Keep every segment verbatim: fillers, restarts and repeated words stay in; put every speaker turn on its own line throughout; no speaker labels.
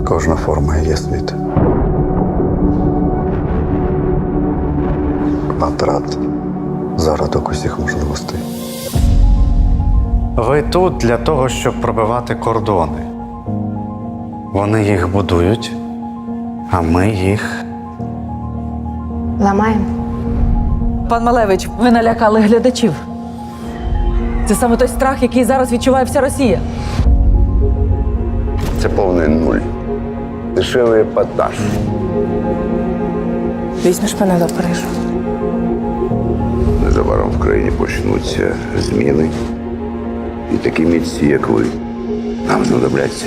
Кожна форма є світ. Квадрат зародок усіх можливостей.
Ви тут для того, щоб пробивати кордони. Вони їх будують, а ми їх.
Ламаємо.
Пан Малевич, ви налякали глядачів. Це саме той страх, який зараз відчуває вся Росія.
Це повний нуль. Дешевий епатаж.
Візьмеш мене до Парижу.
Незабаром в країні почнуться зміни. І такі митці, як ви, нам знадобляться.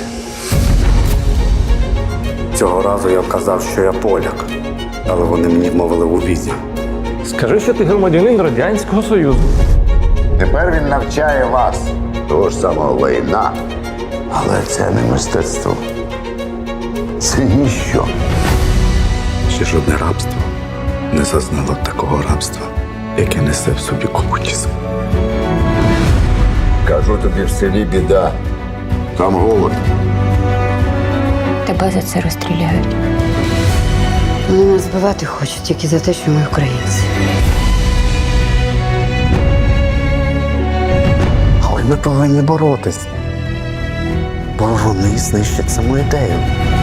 Цього разу я вказав, що я поляк, але вони мені вмовили у візі.
Скажи, що ти громадянин Радянського Союзу.
Тепер він навчає вас того ж самого лайна. Але це не мистецтво. Це ніщо.
Ще жодне рабство не зазнало такого рабства, яке несе в собі комунізм.
Кажу тобі, в селі біда. Там голод.
Тебе за це розстріляють. Вони нас збивати хочуть тільки за те, що ми українці.
Але ми повинні боротися, бо вони знищать саму ідею.